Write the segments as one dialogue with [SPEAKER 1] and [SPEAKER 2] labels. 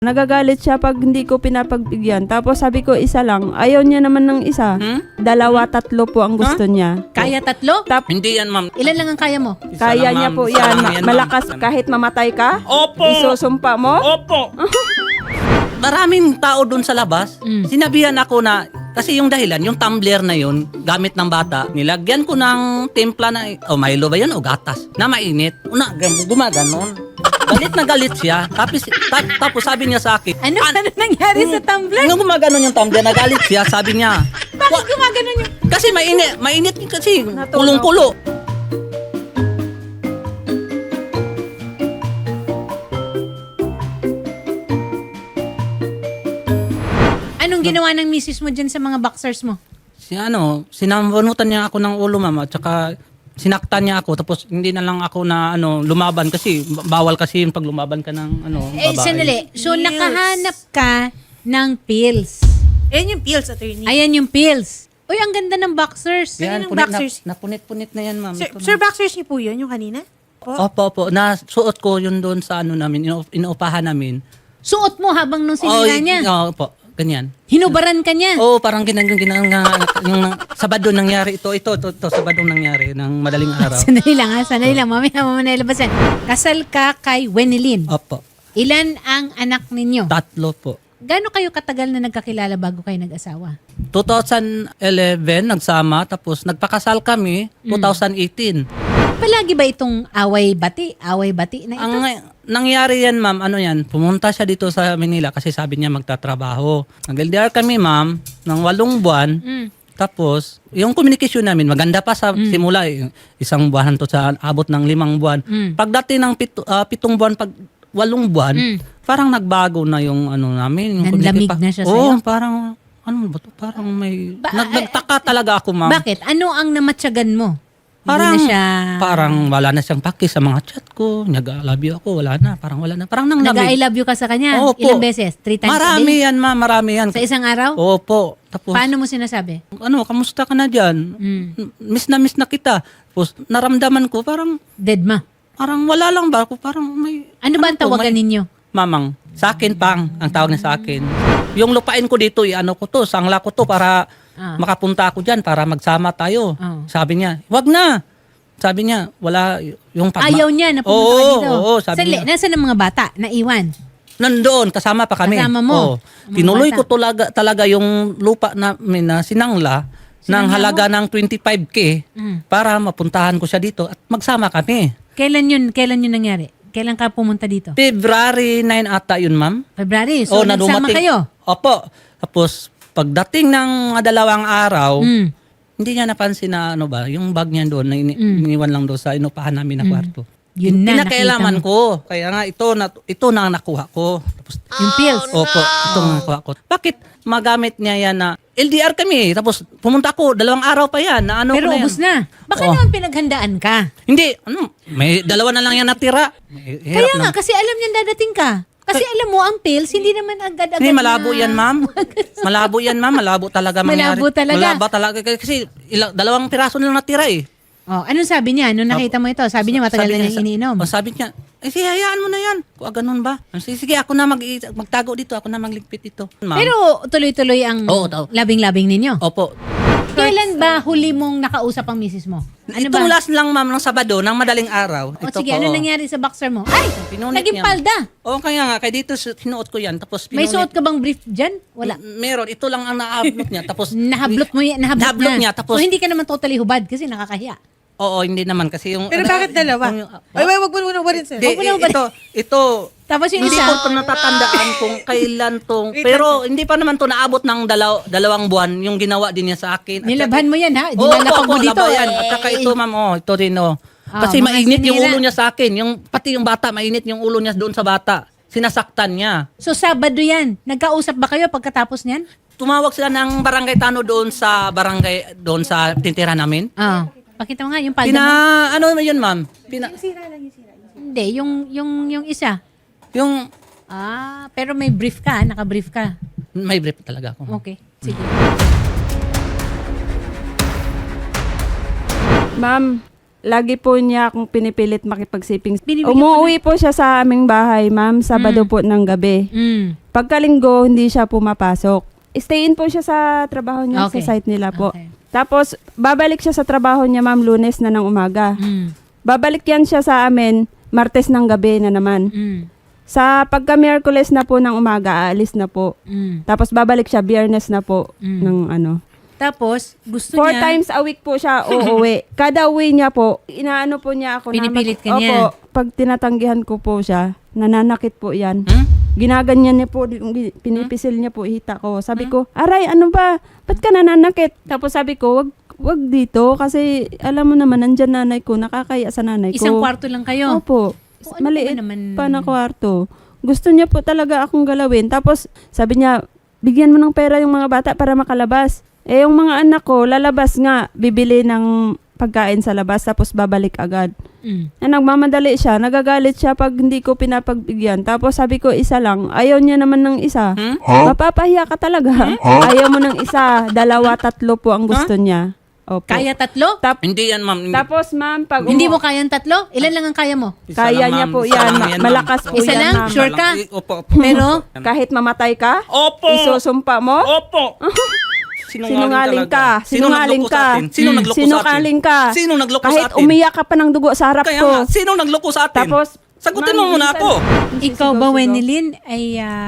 [SPEAKER 1] Nagagalit siya pag hindi ko pinapagbigyan. Tapos sabi ko isa lang. Ayaw niya naman ng isa. Dalawa, tatlo po ang gusto niya.
[SPEAKER 2] Kaya tatlo?
[SPEAKER 3] Hindi yan, ma'am.
[SPEAKER 2] Ilan lang ang kaya mo?
[SPEAKER 3] Isa
[SPEAKER 1] Kaya
[SPEAKER 3] lang,
[SPEAKER 1] niya
[SPEAKER 3] ma'am.
[SPEAKER 1] po
[SPEAKER 3] Isa
[SPEAKER 1] yan.
[SPEAKER 3] lang yan,
[SPEAKER 1] Malakas
[SPEAKER 3] ma'am.
[SPEAKER 1] kahit mamatay ka.
[SPEAKER 3] Opo!
[SPEAKER 1] Isusumpa mo.
[SPEAKER 3] Opo! Maraming tao doon sa labas. Sinabihan ako na, kasi yung dahilan, yung tumbler na yun, gamit ng bata, nilagyan ko ng timpla na, Milo ba yun o gatas, na mainit. Gumaganon. Galit na galit siya. Tapos sabi niya sa akin,
[SPEAKER 2] Ano nangyari sa tumbler?
[SPEAKER 3] nung gumaganon yung tumbler, nagalit siya, sabi niya,
[SPEAKER 2] Bakit gumagano yun?
[SPEAKER 3] kasi mainit kasi, kulong-kulo.
[SPEAKER 2] Anong ginawa ng misis mo dyan sa mga boxers mo?
[SPEAKER 3] Sinabunutan niya ako ng ulo, mama, at saka sinaktan niya ako, tapos hindi na lang ako na lumaban kasi bawal kasi yung pag lumaban ka ng babae.
[SPEAKER 2] Sandali. So, nakahanap ka ng pills.
[SPEAKER 4] Ayan yung pills, attorney.
[SPEAKER 2] Ayan yung pills. Uy, ang ganda ng boxers.
[SPEAKER 3] Yan,
[SPEAKER 4] ng boxers.
[SPEAKER 3] napunit-punit na yan, ma'am.
[SPEAKER 4] Sir,
[SPEAKER 3] Ito na.
[SPEAKER 4] sir, boxers niyo po yun, yung kanina?
[SPEAKER 3] Opo. Nasuot ko yun doon sa namin, inuupahan namin.
[SPEAKER 2] Suot mo habang nung sinira niya.
[SPEAKER 3] Opo, ganyan.
[SPEAKER 2] Hinubaran ka niya.
[SPEAKER 3] Oo, parang yung Sabado nangyari ito, Sabado nangyari ng madaling araw.
[SPEAKER 2] Sandali lang. Mamaya mo na ilabasan. Kasal ka kay Wenilyn.
[SPEAKER 3] Opo,
[SPEAKER 2] Ilan ang anak ninyo?
[SPEAKER 3] 3 po.
[SPEAKER 2] Gaano kayo katagal na nagkakilala bago kayo nag-asawa?
[SPEAKER 3] 2011 nagsama, tapos nagpakasal kami 2018.
[SPEAKER 2] Palagi ba itong away-bati na ito?
[SPEAKER 3] Ang nangyari yan, ma'am, pumunta siya dito sa Manila kasi sabi niya magtatrabaho. Nag-LDR kami, ma'am, ng 8 buwan. Tapos, yung communication namin, maganda pa sa simula. 1 buwan to sa abot ng 5 buwan. Pagdating ng 7 buwan, 8 buwan, parang nagbago na yung namin. Yung
[SPEAKER 2] Nanlamig
[SPEAKER 3] communicate
[SPEAKER 2] na siya
[SPEAKER 3] Oo,
[SPEAKER 2] sa'yo?
[SPEAKER 3] parang, ba to? Parang may, nagtaka talaga ako, ma'am.
[SPEAKER 2] Bakit? Ano ang namatyagan mo?
[SPEAKER 3] Parang,
[SPEAKER 2] Hindi na siya...
[SPEAKER 3] parang wala na siyang paki sa mga chat ko. Nag-love you ako, wala na. Parang wala na. Parang nang
[SPEAKER 2] Nag-I love you ka sa kanya?
[SPEAKER 3] Opo.
[SPEAKER 2] Ilang beses? 3 times a
[SPEAKER 3] Marami
[SPEAKER 2] day?
[SPEAKER 3] yan, ma'am. Marami yan.
[SPEAKER 2] Sa isang araw?
[SPEAKER 3] Opo. Tapos,
[SPEAKER 2] Paano mo sinasabi?
[SPEAKER 3] kamusta ka na dyan? Miss na kita. Tapos, naramdaman ko, parang
[SPEAKER 2] Dead ma.
[SPEAKER 3] wala lang ba ako? Parang may...
[SPEAKER 2] Ano ba ang
[SPEAKER 3] ko,
[SPEAKER 2] tawagan
[SPEAKER 3] may-
[SPEAKER 2] ninyo?
[SPEAKER 3] Mamang. Sa akin, pang. Ang tawag niya sa akin. Yung lupain ko dito, sangla ko to para makapunta ako dyan, para magsama tayo. Sabi niya, wag na. Sabi niya, wala yung
[SPEAKER 2] Ayaw niya na pumunta ka dito.
[SPEAKER 3] Oo, sabi
[SPEAKER 2] Sandali,
[SPEAKER 3] niya.
[SPEAKER 2] nasaan ang mga bata? Naiwan?
[SPEAKER 3] Nandoon, kasama pa kami.
[SPEAKER 2] Kasama mo?
[SPEAKER 3] Oo.
[SPEAKER 2] Mga
[SPEAKER 3] Tinuloy
[SPEAKER 2] bata.
[SPEAKER 3] ko talaga yung lupa namin na sinangla ng halaga ng 25K para mapuntahan ko siya dito at magsama kami.
[SPEAKER 2] Kailan yun nangyari? Kailan ka pumunta dito?
[SPEAKER 3] February 9 ata yun, ma'am.
[SPEAKER 2] February. So,
[SPEAKER 3] na
[SPEAKER 2] nagsama
[SPEAKER 3] dumating.
[SPEAKER 2] kayo?
[SPEAKER 3] Opo. Tapos, pagdating ng 2 araw, hindi niya napansin na yung bag niya doon, na iniwan lang doon sa inupahan namin na kwarto.
[SPEAKER 2] Yun na,
[SPEAKER 3] Pinakailaman
[SPEAKER 2] nakita
[SPEAKER 3] ko. Kaya nga, ito na ang nakuha ko. Tapos,
[SPEAKER 2] Yung pills?
[SPEAKER 3] Opo, ito ang nakuha ko. Bakit magamit niya yan na LDR kami? Tapos pumunta ko, 2 araw pa yan. Na
[SPEAKER 2] Pero
[SPEAKER 3] ko na yan.
[SPEAKER 2] ubus na. Baka
[SPEAKER 3] Oh.
[SPEAKER 2] naman pinaghandaan ka.
[SPEAKER 3] Hindi, may 2 na lang yan natira.
[SPEAKER 2] Kaya nga, kasi alam niyan dadating ka. Kasi alam mo, ang pills, hindi naman agad-agad
[SPEAKER 3] Hindi, malabo
[SPEAKER 2] na-
[SPEAKER 3] yan, ma'am. Malabo talaga mangyari.
[SPEAKER 2] Malabo talaga.
[SPEAKER 3] Malabo talaga. Kasi 2 piraso na lang natira eh.
[SPEAKER 2] Oh, anong sabi niya? Nung nakita mo ito? Sabi niya matagal na niyang iniinom.
[SPEAKER 3] Sabi niya, sige, hayaan mo na yan. Ganun ba? Sige, ako na magtago dito. Ako na magligpit dito. Ma'am.
[SPEAKER 2] Pero tuloy-tuloy ang
[SPEAKER 3] Oo, tao.
[SPEAKER 2] labing-labing ninyo.
[SPEAKER 3] Opo.
[SPEAKER 2] Kailan ba huli mong nakausap ang misis mo? Ano
[SPEAKER 3] Itong
[SPEAKER 2] ba?
[SPEAKER 3] last lang, ma'am, ng Sabado, ng madaling araw.
[SPEAKER 2] O
[SPEAKER 3] Ito
[SPEAKER 2] sige,
[SPEAKER 3] po,
[SPEAKER 2] ano nangyari sa boxer mo? Ay!
[SPEAKER 3] Pinunit
[SPEAKER 2] Naging
[SPEAKER 3] niya.
[SPEAKER 2] palda.
[SPEAKER 3] Oo, kaya nga. Kaya dito sinuot ko yan. Tapos
[SPEAKER 2] May
[SPEAKER 3] pinunit.
[SPEAKER 2] suot ka bang brief dyan? Wala.
[SPEAKER 3] Meron. Ito lang ang naablot niya. Tapos,
[SPEAKER 2] Nahablot mo yan.
[SPEAKER 3] Nahablot niya, tapos-
[SPEAKER 2] So hindi ka naman totally hubad kasi nakakahiya.
[SPEAKER 3] oo, hindi naman. Kasi yung...
[SPEAKER 4] Pero bakit dalawa? Ay, wag mo muna warin, sir.
[SPEAKER 3] Di,
[SPEAKER 2] Wag mo na ba-
[SPEAKER 3] ito,
[SPEAKER 2] Tapos yung
[SPEAKER 3] hindi
[SPEAKER 2] isa,
[SPEAKER 3] ko ito natatandaan kung kailan to. Pero hindi pa naman to naabot ng 2 buwan yung ginawa din niya sa akin. At
[SPEAKER 2] nilabhan mo yan ha? Di
[SPEAKER 3] Oo,
[SPEAKER 2] nalapag mo
[SPEAKER 3] opo,
[SPEAKER 2] dito.
[SPEAKER 3] labayan. At saka ito, ma'am, ito rin, Kasi
[SPEAKER 2] mga
[SPEAKER 3] mainit yung
[SPEAKER 2] sinira.
[SPEAKER 3] ulo niya sa akin. Pati yung bata, mainit yung ulo niya doon sa bata. Sinasaktan niya.
[SPEAKER 2] So Sabado yan. Nagkausap ba kayo pagkatapos niyan?
[SPEAKER 3] Tumawag sila ng barangay Tano doon sa tintira namin.
[SPEAKER 2] Pakita mo nga yung palda mo.
[SPEAKER 3] Ano yun, ma'am?
[SPEAKER 2] Hindi, yung isa.
[SPEAKER 3] Yung,
[SPEAKER 2] Pero may brief ka, naka-brief ka.
[SPEAKER 3] may brief talaga ako.
[SPEAKER 2] Okay, sige.
[SPEAKER 1] Ma'am, lagi po niya akong pinipilit makipagsiping.
[SPEAKER 2] Binibigyan
[SPEAKER 1] Umuwi po siya sa aming bahay, ma'am, Sabado po ng gabi. Pagkalinggo, hindi siya pumapasok. Stay in po siya sa trabaho niya
[SPEAKER 2] Okay.
[SPEAKER 1] sa site nila po.
[SPEAKER 2] Okay.
[SPEAKER 1] Tapos, babalik siya sa trabaho niya, ma'am, Lunes na ng umaga. Babalik yan siya sa amin, Martes ng gabi na naman. Sa pagka-Miyerkules na po ng umaga, aalis na po. Tapos babalik siya, Biyernes na po ng ano.
[SPEAKER 2] Tapos, gusto
[SPEAKER 1] 4
[SPEAKER 2] niya,
[SPEAKER 1] times a week po siya uuwi. Kada uwi niya po, inaano po niya ako.
[SPEAKER 2] Pinipilit ka
[SPEAKER 1] Opo,
[SPEAKER 2] niya.
[SPEAKER 1] pag tinatanggihan ko po siya, nananakit po yan.
[SPEAKER 3] Hmm?
[SPEAKER 1] Ginaganyan niya po, pinipisil niya po hita ko. Sabi ko, aray, ano ba? Ba't ka nananakit? Tapos sabi ko, wag dito kasi alam mo naman, nandyan nanay ko, nakakaya sa nanay ko.
[SPEAKER 2] isang kwarto lang kayo.
[SPEAKER 1] Opo.
[SPEAKER 2] O, ano
[SPEAKER 1] Maliit
[SPEAKER 2] ba naman?
[SPEAKER 1] pa na kwarto. Gusto niya po talaga akong galawin. Tapos sabi niya, bigyan mo ng pera yung mga bata para makalabas. Eh yung mga anak ko, lalabas nga, bibili ng pagkain sa labas tapos babalik agad. Nagmamadali siya, nagagalit siya pag hindi ko pinapagbigyan. Tapos sabi ko, isa lang, ayaw niya naman ng isa. Mapapahiya ka talaga. Ayaw mo ng isa, 2, 3 po ang gusto niya. Opo.
[SPEAKER 2] Kaya 3?
[SPEAKER 3] Hindi yan, ma'am. Hindi.
[SPEAKER 1] Tapos ma'am, pag
[SPEAKER 2] Hindi mo kayang 3? Ilan lang ang kaya mo?
[SPEAKER 3] Isa
[SPEAKER 1] kaya
[SPEAKER 3] lang,
[SPEAKER 1] niya
[SPEAKER 3] ma'am.
[SPEAKER 1] po
[SPEAKER 3] Isa
[SPEAKER 1] yan.
[SPEAKER 3] lang yan, ma'am.
[SPEAKER 1] Malakas po
[SPEAKER 2] Isa
[SPEAKER 1] yan,
[SPEAKER 2] lang?
[SPEAKER 1] ma'am.
[SPEAKER 2] Sure ka?
[SPEAKER 3] Opo.
[SPEAKER 2] Pero,
[SPEAKER 1] Kahit mamatay ka,
[SPEAKER 3] Opo.
[SPEAKER 1] isusumpa mo,
[SPEAKER 3] Opo.
[SPEAKER 1] sinungaling ka. Sinungaling ka.
[SPEAKER 3] Sino nagloko sa atin?
[SPEAKER 1] Sinungaling ka.
[SPEAKER 3] Sino nagloko sa
[SPEAKER 1] Kahit
[SPEAKER 3] atin?
[SPEAKER 1] umiyak ka pa ng dugo sa harap
[SPEAKER 3] Kaya
[SPEAKER 1] ko.
[SPEAKER 3] nga, sino nagloko sa atin?
[SPEAKER 1] Tapos,
[SPEAKER 3] sagutin
[SPEAKER 1] ma'am,
[SPEAKER 3] mo muna
[SPEAKER 1] minsan-
[SPEAKER 3] ako.
[SPEAKER 2] ikaw ba,
[SPEAKER 1] Sisigaw-sigaw.
[SPEAKER 2] Wenilyn, ay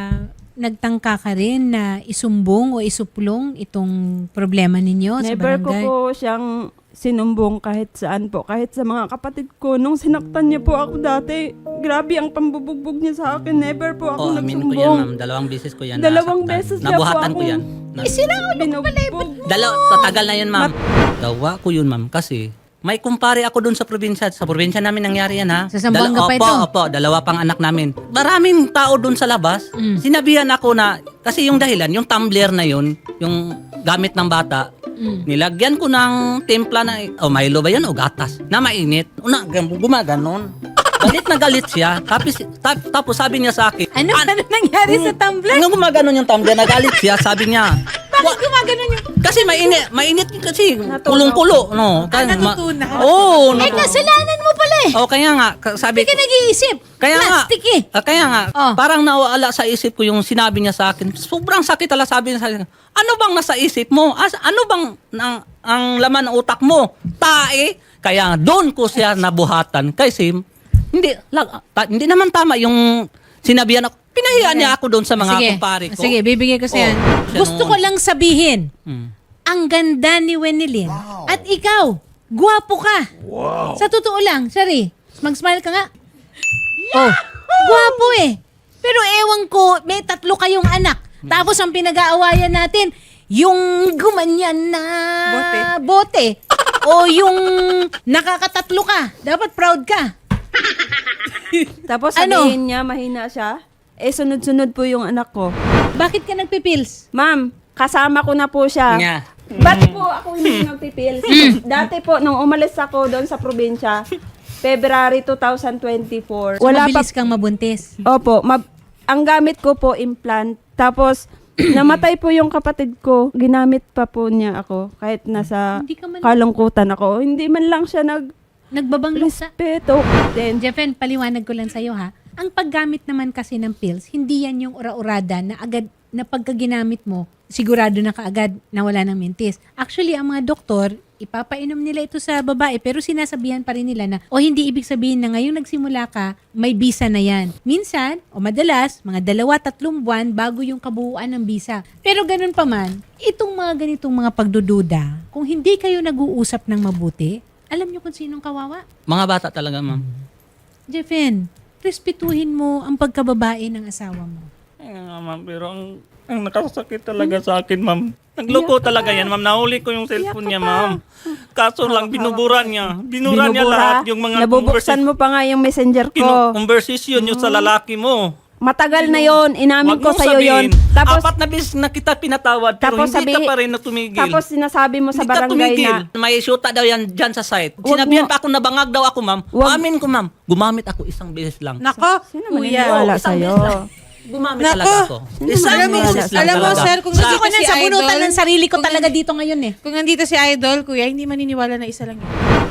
[SPEAKER 2] nagtangka ka rin na isumbong o isuplong itong problema ninyo sa
[SPEAKER 1] Never ko
[SPEAKER 2] barangay?
[SPEAKER 1] po siyang sinumbong kahit saan po. Kahit sa mga kapatid ko. Nung sinaktan niya po ako dati, grabe ang pambubugbog niya sa akin. Never po ako
[SPEAKER 3] Oh, amin ko yan,
[SPEAKER 1] nagsumbong.
[SPEAKER 3] ma'am. 2 beses ko yan
[SPEAKER 1] 2
[SPEAKER 3] nasaktan.
[SPEAKER 1] beses niya po
[SPEAKER 3] Nabuhatan ko
[SPEAKER 1] akong-
[SPEAKER 3] yan.
[SPEAKER 1] Binugbog.
[SPEAKER 3] Tatagal na yun, ma'am. Gawa ko yun, ma'am. Kasi may kumpare ako doon sa probinsya. Sa probinsya namin nangyari yan, ha?
[SPEAKER 2] Sa Zamboanga pa ito?
[SPEAKER 3] Opo, 2 pang anak namin. Maraming tao doon sa labas. Sinabihan ako na, kasi yung dahilan, yung tumbler na yun, yung gamit ng bata, nilagyan ko ng timpla na, Milo ba yan o gatas, na mainit. Gumaganon. Galit na galit siya. Tapos sabi niya sa akin,
[SPEAKER 2] Ano nangyari sa tumbler?
[SPEAKER 3] Nung gumaganon yung tumbler, nagalit siya, sabi niya,
[SPEAKER 2] Bakit gumagano'n yung...
[SPEAKER 3] kasi mainit kasi kulong-kulo, no.
[SPEAKER 4] natutunan.
[SPEAKER 3] Oo,
[SPEAKER 2] Eh, kasalanan mo pala eh.
[SPEAKER 3] kaya nga, sabi
[SPEAKER 2] Hindi ka nag-iisip.
[SPEAKER 3] kaya nga,
[SPEAKER 2] Plastic eh.
[SPEAKER 3] kaya nga,
[SPEAKER 2] Oh.
[SPEAKER 3] parang nawala sa isip ko yung sinabi niya sa akin. Sobrang sakit ala sabi niya sa akin. Ano bang nasa isip mo? Ano bang ang laman ng utak mo? Tae. Kaya doon ko siya nabuhatan. Kasi hindi naman tama yung sinabihan ako. Pinahiya niya ako doon sa mga kumpare ko.
[SPEAKER 2] Sige, bibigyan ko sa'yo.
[SPEAKER 3] siya
[SPEAKER 2] Gusto ko
[SPEAKER 3] noon.
[SPEAKER 2] lang sabihin,
[SPEAKER 3] Hmm.
[SPEAKER 2] ang ganda ni Wenilyn. At ikaw, gwapo ka. Sa totoo lang, sorry. Mag-smile ka nga. Oh, gwapo eh. Pero ewan ko, may 3 kayong anak. Tapos ang pinag-aawayan natin, yung gumanyan na bote. O yung nakakatatlo ka. Dapat proud ka.
[SPEAKER 1] Tapos
[SPEAKER 2] Ano?
[SPEAKER 1] sabihin niya, mahina siya. Eh, sunod-sunod po yung anak ko.
[SPEAKER 2] Bakit ka nagpipils?
[SPEAKER 1] Ma'am, kasama ko na po siya.
[SPEAKER 3] Nga.
[SPEAKER 1] Ba't po ako hindi nagpipil? Dati po, nung umalis ako doon sa probinsya, February 2024.
[SPEAKER 2] So, mabilis kang mabuntis.
[SPEAKER 1] Opo, ang gamit ko po implant. Tapos, namatay po yung kapatid ko. Ginamit pa po niya ako kahit nasa
[SPEAKER 2] Hindi ka man-
[SPEAKER 1] kalungkutan ako. Hindi man lang siya
[SPEAKER 2] Nagbabanglok sa...
[SPEAKER 1] nag-respeto. Then,
[SPEAKER 2] Jeffen, paliwanag ko lang sa'yo ha. Ang paggamit naman kasi ng pills, hindi yan yung ura-urada na agad na pagka ginamit mo, sigurado na kaagad na wala ng mentis. Actually, ang mga doktor, ipapainom nila ito sa babae pero sinasabihan pa rin nila na hindi ibig sabihin na ngayong nagsimula ka, may bisa na yan. Minsan, o madalas, mga 2-3 buwan bago yung kabuuan ng bisa. Pero ganun pa man, itong mga ganitong mga pagdududa, kung hindi kayo nag-uusap ng mabuti, alam nyo kung sinong kawawa?
[SPEAKER 3] Mga bata talaga, ma'am.
[SPEAKER 2] Jeffen, respetuhin mo ang pagkababae ng asawa mo.
[SPEAKER 3] Ay, nga, ma'am, pero ang nakasakit talaga sa akin, ma'am. Nagloko talaga yan, ma'am. Nahuli ko yung cellphone niya, ma'am. Kaso lang, binuburan niya. Binura niya lahat yung mga
[SPEAKER 1] Nabubuksan mo pa nga yung messenger ko.
[SPEAKER 3] conversation nyo sa lalaki mo.
[SPEAKER 1] Matagal na yon, inamin
[SPEAKER 3] Wag
[SPEAKER 1] ko
[SPEAKER 3] mong
[SPEAKER 1] sa'yo yon.
[SPEAKER 3] sabihin,
[SPEAKER 1] Tapos,
[SPEAKER 3] 4 na beses na kita pinatawad, pero
[SPEAKER 1] Tapos
[SPEAKER 3] hindi ka
[SPEAKER 1] sabihin-
[SPEAKER 3] pa rin natumigil.
[SPEAKER 1] tapos sinasabi mo sa
[SPEAKER 3] Hindi ka
[SPEAKER 1] barangay
[SPEAKER 3] tumigil.
[SPEAKER 1] na,
[SPEAKER 3] May shoota daw yan dyan sa site.
[SPEAKER 1] Wag
[SPEAKER 3] Sinabihan
[SPEAKER 1] mo-
[SPEAKER 3] pa ako, nabangag daw ako, ma'am.
[SPEAKER 1] Wag-
[SPEAKER 3] Amin ko, ma'am. Gumamit ako 1 beses lang.
[SPEAKER 4] Nako,
[SPEAKER 1] sino
[SPEAKER 4] kuya.
[SPEAKER 1] maniniwala
[SPEAKER 3] isang
[SPEAKER 1] sa'yo?
[SPEAKER 3] beses lang. Gumamit
[SPEAKER 4] Nako.
[SPEAKER 3] talaga ako. Isang
[SPEAKER 1] Alam mo,
[SPEAKER 3] beses lang
[SPEAKER 4] alam mo,
[SPEAKER 3] talaga.
[SPEAKER 4] sir, kung
[SPEAKER 2] Gusto
[SPEAKER 4] Sa-
[SPEAKER 2] ko na
[SPEAKER 4] si
[SPEAKER 2] sa bunutan
[SPEAKER 4] Idol,
[SPEAKER 2] ng sarili ko
[SPEAKER 4] kung-
[SPEAKER 2] talaga dito ngayon eh.
[SPEAKER 4] Kung nandito si Idol, kuya, hindi maniniwala na isa lang yun.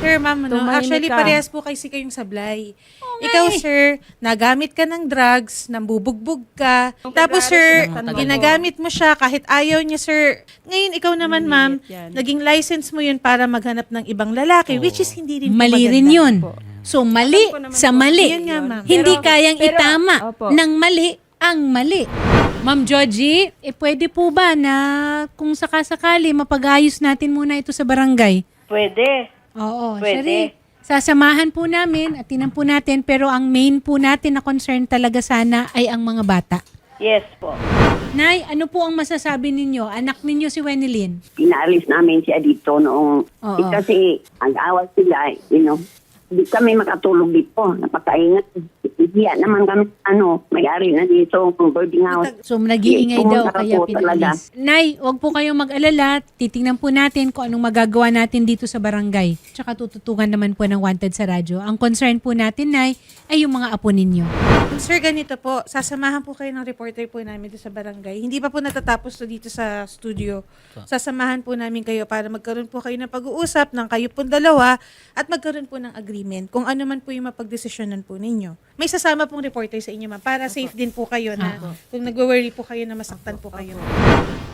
[SPEAKER 4] Sir, ma'am, no?
[SPEAKER 1] Tumahimik
[SPEAKER 4] Actually,
[SPEAKER 1] ka.
[SPEAKER 4] parehas po kasi kayong sablay. Ikaw, sir, nagamit ka ng drugs, nambubugbog ka. Tapos, sir,
[SPEAKER 3] Ng matagal.
[SPEAKER 4] ginagamit mo siya kahit ayaw niya, sir. Ngayon, ikaw naman, ma'am,
[SPEAKER 1] yan.
[SPEAKER 4] naging license mo yun para maghanap ng ibang lalaki, which is hindi rin po
[SPEAKER 2] Mali
[SPEAKER 4] maganda.
[SPEAKER 2] rin yun. So, mali
[SPEAKER 1] Alam ko naman
[SPEAKER 2] sa
[SPEAKER 1] po.
[SPEAKER 2] mali.
[SPEAKER 4] Yan nga, ma'am.
[SPEAKER 2] Hindi
[SPEAKER 1] Pero-
[SPEAKER 2] kayang
[SPEAKER 1] pero-
[SPEAKER 2] itama
[SPEAKER 1] Opo.
[SPEAKER 2] ng mali ang mali. Ma'am Georgie, pwede po ba na kung sakasakali mapag-ayos natin muna ito sa barangay?
[SPEAKER 5] Pwede.
[SPEAKER 2] Oo,
[SPEAKER 5] Pwede.
[SPEAKER 2] Shari. Sasamahan po namin at tinan po natin pero ang main po natin na concern talaga sana ay ang mga bata.
[SPEAKER 5] Yes po.
[SPEAKER 2] Nay, ano po ang masasabi ninyo? Anak ninyo si Wenilyn.
[SPEAKER 6] Pinaalis namin siya dito noong
[SPEAKER 2] Oo.
[SPEAKER 6] kasi ang awal sila, di kami makatulog dito, napakaingat. Hiya naman kami, may-ari na dito, kung boarding house.
[SPEAKER 2] So, nag-iingay daw
[SPEAKER 6] Pumunta
[SPEAKER 2] kaya
[SPEAKER 6] po talaga.
[SPEAKER 2] pinalis. Nay, wag po kayong mag-alala. Titingnan po natin kung anong magagawa natin dito sa barangay. Tsaka tututungan naman po ng Wanted sa radyo. Ang concern po natin, Nay, ay yung mga apo ninyo.
[SPEAKER 4] Sir, ganito po, sasamahan po kayo ng reporter po namin dito sa barangay. Hindi pa po natatapos to dito sa studio. Sasamahan po namin kayo para magkaroon po kayo ng pag-uusap ng kayo pong dalawa at magkaroon po ng agreement kung ano man po yung mapagdesisyonan po ninyo. May sasama pong reporter sa inyo, ma'am, para safe din po kayo na kung nag-worry po kayo na masaktan po kayo.